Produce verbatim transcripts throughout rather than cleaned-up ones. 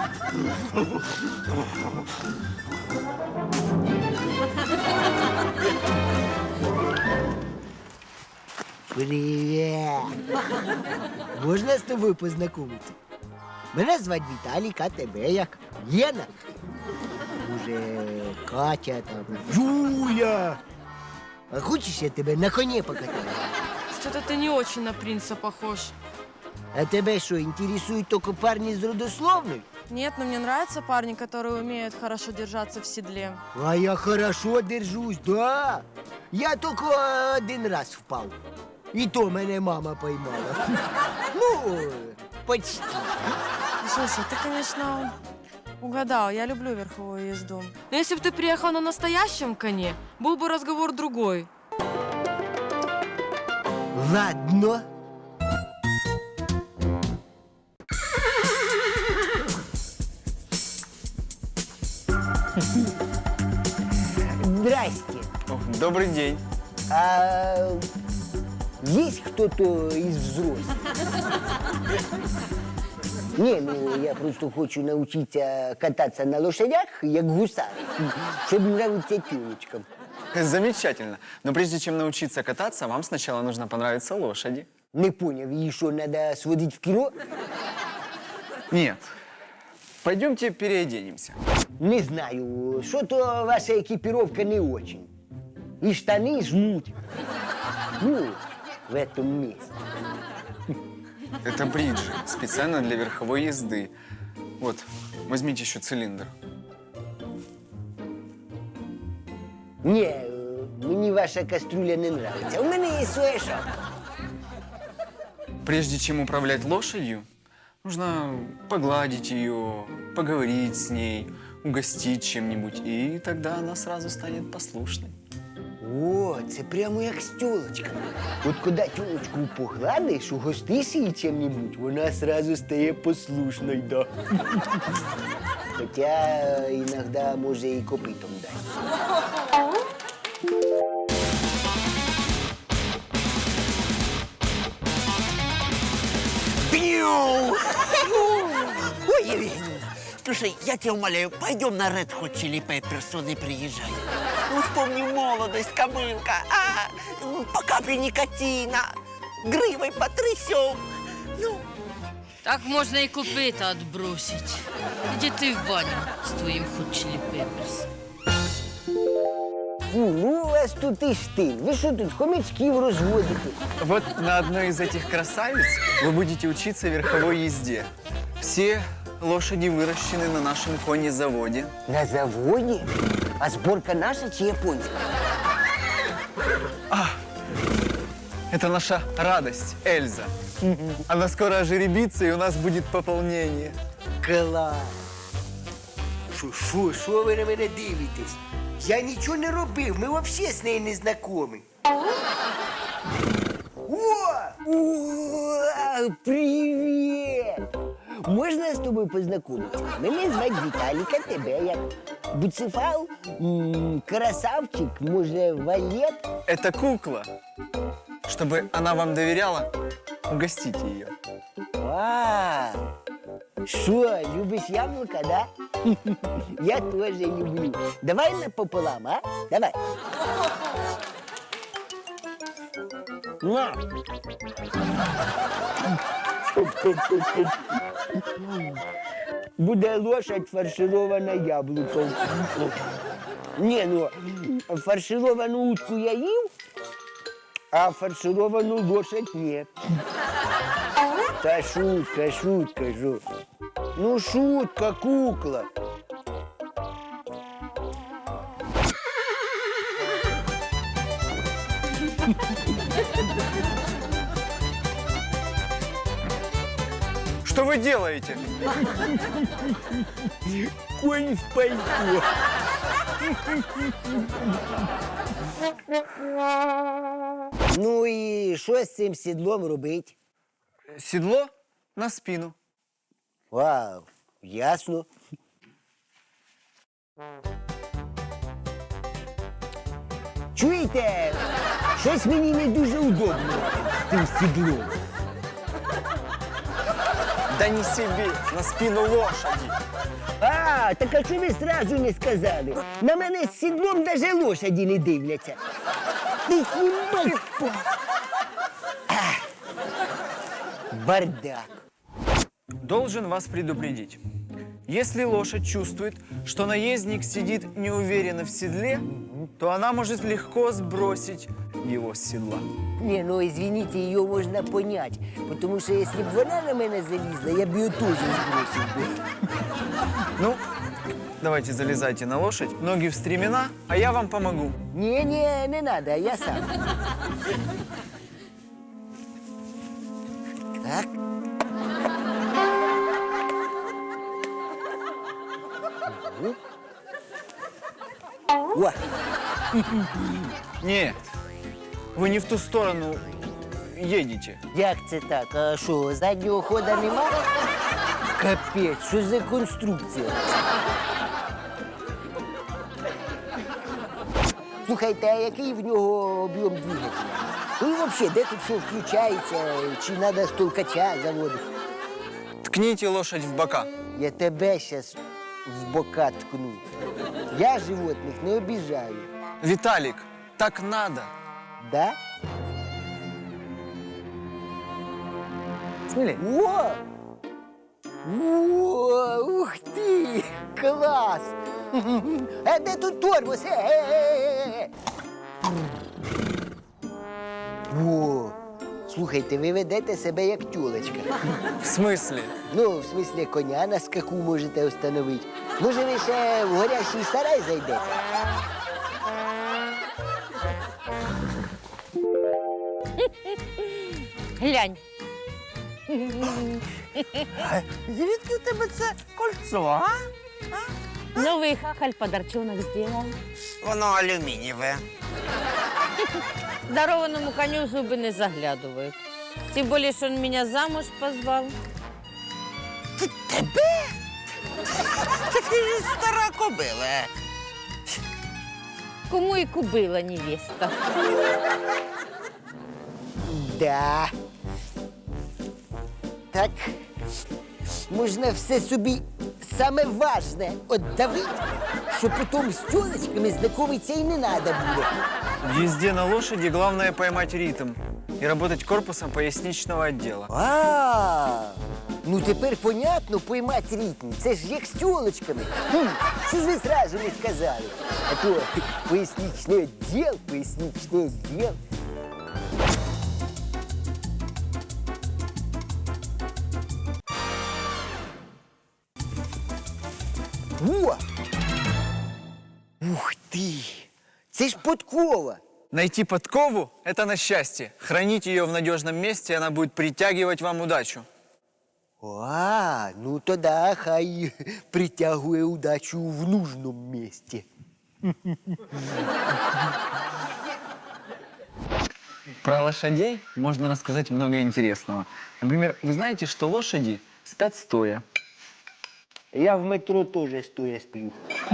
Привіт! Можна з тобою познайомитися? Мене звати Віталік, а тебе як? Лена? Може, Катя там? Юля! А хочеш, я тебе на коні покатаю? Что-то ты не очень на принца похож. А тебе що, інтересують тільки парні з родословною? Нет, но мне нравятся парни, которые умеют хорошо держаться в седле. А я хорошо держусь, да. Я тільки один раз впав. І то мене мама поймала. Ну, почти. Слушай, ты, конечно, угадал. Я люблю верховую езду. Но если бы ты приехал на настоящем коне, был бы разговор другой. Ладно. Здрасте. О, добрый день. А есть кто-то из взрослых? Не, ну я просто хочу научиться кататься на лошадях, як гусар, чтобы нравиться тёлочкам. Замечательно. Но прежде чем научиться кататься, вам сначала нужно понравиться лошади. Не понял, и что, надо сводить в кино? Нет. Пойдемте переоденемся. Не знаю, что-то ваша экипировка не очень. И штаны жмут. Ну, в этом месте. Это бриджи, специально для верховой езды. Вот, возьмите еще цилиндр. Не, мне ваша кастрюля не нравится. У меня есть своя шапка. Прежде чем управлять лошадью, нужно погладить ее, поговорить с ней, угостить чем-нибудь, и тогда она сразу станет послушной. О, це прямо як з тёлочками. От коли тёлочку погладиш, угостиш її чим-нибудь, вона сразу стає послушною, да. Хоча іноді може і копитом дати. Ой, Евгения, слушай, я тебя умоляю, пойдем на Red Hot Chili Peppers, он и приезжай. Ну, вспомни молодость, кобылка, а? Ну, по капле никотина, гривой потрясем. Ну, Так можна і копита отбросить. Іди ти в баню з твоїм Hot Chili Peppers. Фу, ну у вас тут і штиль. Ви що тут хомячків розводите? Вот на одной из этих красавиц вы будете учиться верховой езде. Все лошади выращены на нашем конезаводе. На заводі? А зборка наша чи японська? Это наша радость, Эльза. Она скоро ожеребится, и у нас будет пополнение. Клас! Фу, фу, що ви на мене дивитесь? Я нічого не робив, ми взагалі з нею не знайомі. О! О! Привіт! Можна з тобою познайомитися? Мене звати Віталік, а тебе як? Буцефал? М, Красавчик? Може, валет? Это кукла. Чтобы она вам доверяла, угостите ее. А, що, любиш яблука, да? Я теж люблю. Давай напополам, а? Давай. На. Буде лошадь фарширована яблуком. Ні, ну, фаршировану утку я їв, а фаршировану лошадь ні. Та шутка, шутка, жо. Ну, шутка, кукла. Что вы делаете? Конь в пальто. Ну і що з цим сідлом робить? Седло на спину. Вау, ясно. Чуєте? Щось мені не дуже удобно з цим сідлом. Да Да не себе, на спину лошади. А, так а чому ви сразу не сказали? На мене з сідлом даже лошаді не дивляться. Ти знімай. А, бардак. Должен вас предупредить. Если лошадь чувствует, что наездник сидит неуверенно в седле, то она может легко сбросить его с седла. Не, ну извините, її можна понять. Тому що якщо б вона на мене залізла, я б її теж збросив би. Ну, давайте залезайте на лошадь, ноги в стремена, а я вам помогу. Ні-ні, не надо, я сам. Так. О, Нет, вы не в ту сторону едете. як це так? А що, заднього хода немає? Капець, що за конструкція? Слухайте, а який в нього об'єм двигателя? Ну і взагалі, де тут що включається, чи треба з толкача заводити? Ткните лошадь в бока. Я тебе зараз в бока ткну. Я животних не обіжаю. Виталик, так надо. Да? Смелей. О! О, ух ти! Клас! А де тут тормоз? Е, е, е, е. О! Слухайте, ви ведете себе як тюлечка. В смысле? Ну, в смислі, коня на скаку можете встановити. Може, ви ще в горящий сарай зайдете? Глянь. Звідки у тебе це кольцо, а? Новий хахаль подарчонок зробив. Воно алюмінієве. Дарованому коню в зуби не заглядывают. Тем более, что он меня замуж позвал. Тебе? Та ти ж стара кобила. Кому и кубила невеста. Да. Так, можна все собі саме важне отдавити, що потім з тюлечками знайомитися і не треба буде. В езде на лошади главное поймать ритм и работать корпусом поясничного отдела. А, ну тепер понятно поймати ритм. Це ж як з тюлечками. Хм, що ж ви зразу не сказали? А то поясничний відділ, поясничний відділ. О! Ух ти! Це ж подкова! Найти подкову – это на счастье. Хранить ее в надежном месте, и она будет притягивать вам удачу. А, ну тоді хай притягує удачу в нужному місці. Про лошадей можно рассказать много интересного. Например, вы знаете, что лошади спят стоя. Я в метро теж стоя сплю.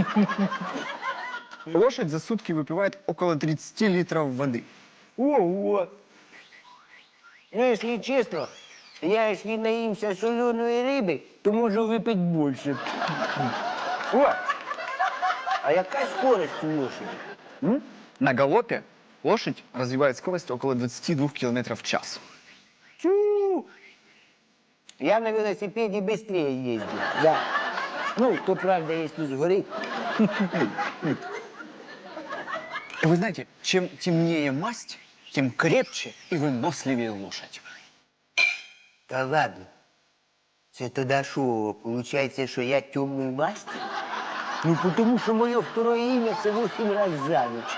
Лошадь за сутки выпивает около тридцати литров воды. Ого! Ну, якщо чесно, я якщо наїмся соленої риби, то можу випити більше. О! А яка скорость у лошади? М? На галопе лошадь развивает скорость около двадцати двух километров в час. Чу! Я на велосипеде быстрее ездил. Да. Ну, то правда, если сгорит. Вы знаете, чем темнее масть, тем крепче и выносливее лошадь. Да ладно. Це тоді що, получается, що я темную масть? Ну, потому что мое второе имя це восемь раз за ночь.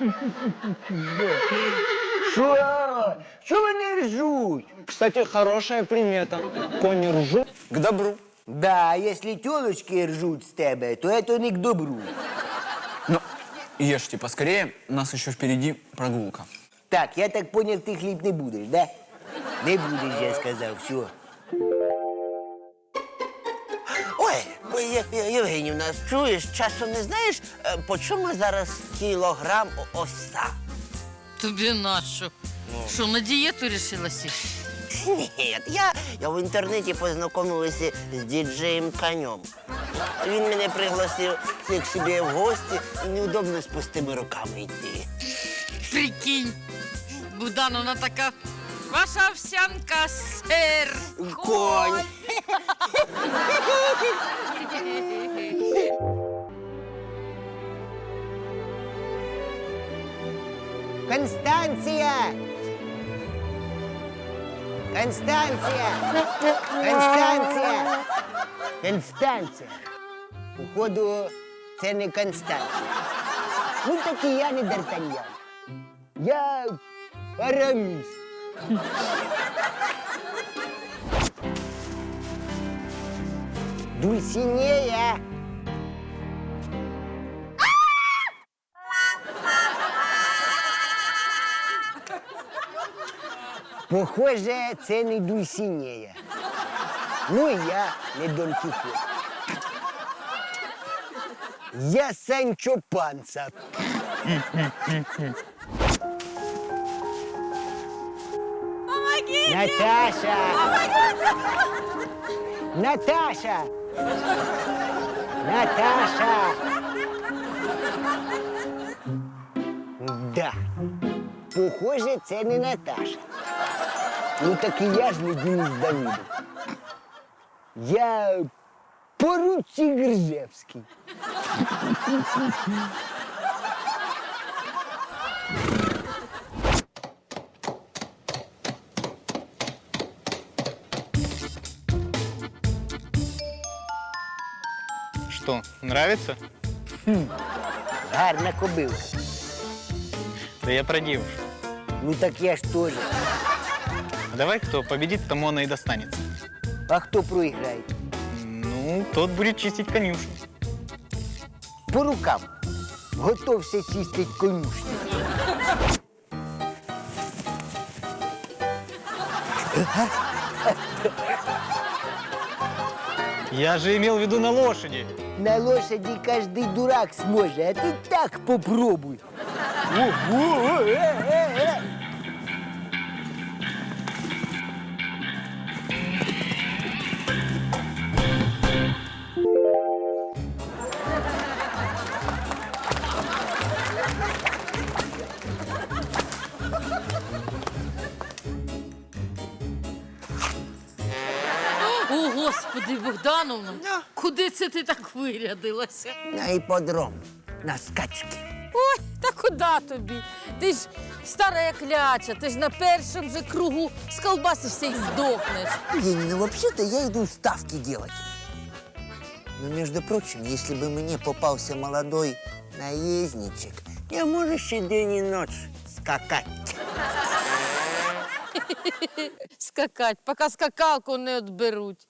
Что? Что вони ржуть? Кстати, хорошая примета. Кони ржут к добру. Да, а если телочки ржут с тебя, то это не к добру. Ну, ешьте поскорее, у нас еще впереди прогулка. Так, я так понял, ты хлеб не будешь, да? Не будешь, я сказал, все. Ой, Є- Є- Євгенівна, чуєш, часом не знаєш, е, по чому зараз кілограм о- овса? Тобі нащо? Що, на дієту рішила сісти? Ні, я, я в інтернеті познайомилася з діджеєм Конем. Він мене пригласив к собі в гості, і неудобно з пустими руками йти. Прикинь, Богдановна така, ваша овсянка, сир, Конь. Констанція! Констанція! Констанція! Констанція! Походу, це не Констанція. Ну, так і я не Д'Артаньян. Я Араміс. Дульсинея! Похоже, це не Дульсинея. Ну, і я не Дон Кіхот. Я Санчо Панса. Наташа! Наташа! Наташа! Да. Похоже, це не Наташа. Ну так і я ж не Денис Давидов. Я поручик Гржевський. Что, нравится? Гарна кобилка. Да я про девушку. Ну так я ж теж. А давай, кто победит, тому она и достанется. А хто проіграє? Ну, тот будет чистить конюшню. По рукам. Готовся чистить конюшню. Я же имел в виду на лошади. На лошади каждый дурак сможет, а ты так попробуй. Ого, э, э, э. О, Господи, Богдановна, куди це ти так вирядилася? На іподром, на скачки. Ой, та куди тобі? Ти ж стара як ляча, ти ж на першому же кругу сколбасишся і здохнеш. Ленина, ну вообще-то я иду ставки делать. Но, между прочим, если бы мне попался молодой наездничек, я можешь и день и ночь скакать. Скакать, поки скакалку не відберуть.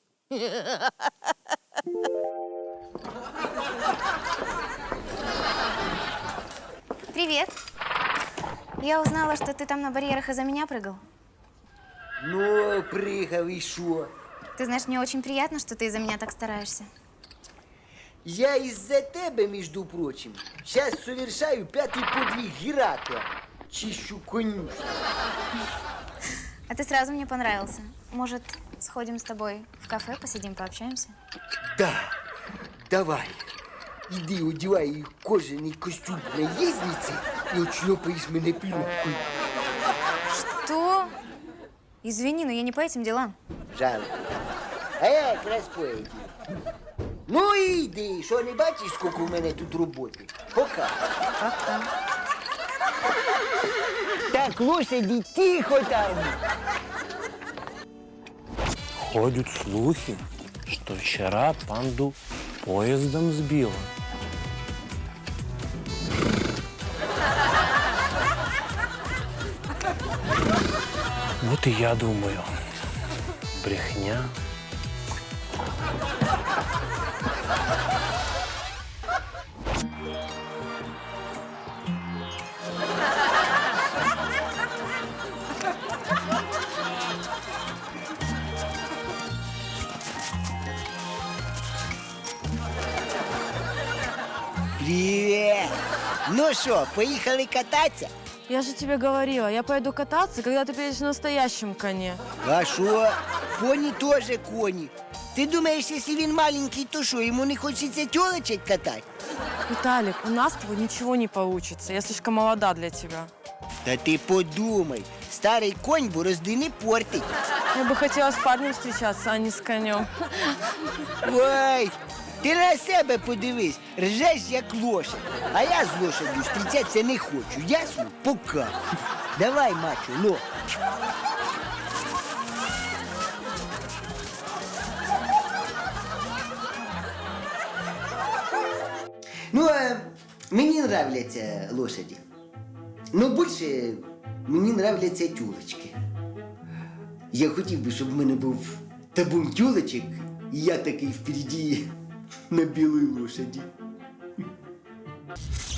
Привет. Я узнала, что ты там на барьерах из-за меня прыгал. Ну, прыгал и шо? Ты знаешь, мне очень приятно, что ты из-за меня так стараешься. Я из-за тебя, между прочим, сейчас совершаю пятый подвиг Геракла. Чищу конюшню. А ты сразу мне понравился. Может, сходим с тобой в кафе, посидим, пообщаемся? Да, давай. Иди одевай кожаный костюм наездницы и отшлепаешь меня пилюткой. Что? Извини, но я не по этим делам. Жалко. А я якраз по этим. Ну іди, що не бачиш, скільки у мене тут роботи? Пока. Пока. Так, лошади, тихо там. Ходят слухи, что вчера панду поездом сбило. Вот и я думаю, брехня. Привіт! Ну що, поїхали кататися? Я же тебе говорила, я пойду кататься, когда ты приедешь на настоящем коне. А що? Коні теж коні. Ти думаєш, якщо він маленький, то що, йому не хочеться тілочек катати? Виталик, у нас с тобой ничего не получится. Я слишком молода для тебя. Та ти подумай, старий конь борозди не портить. Я бы хотела с парнем встречаться, а не с конем. Ой, ти на себе подивись, ржеш як лошадь. А я з лошадью зустрічатися не хочу, ясно? Пока. Давай, мачо, ну. Ну, а мені нравляться лошаді. Но більше мені нравляться тюлечки. Я хотів би, щоб в мене був табун тюлечок, і я такий впереді на білій лошаді.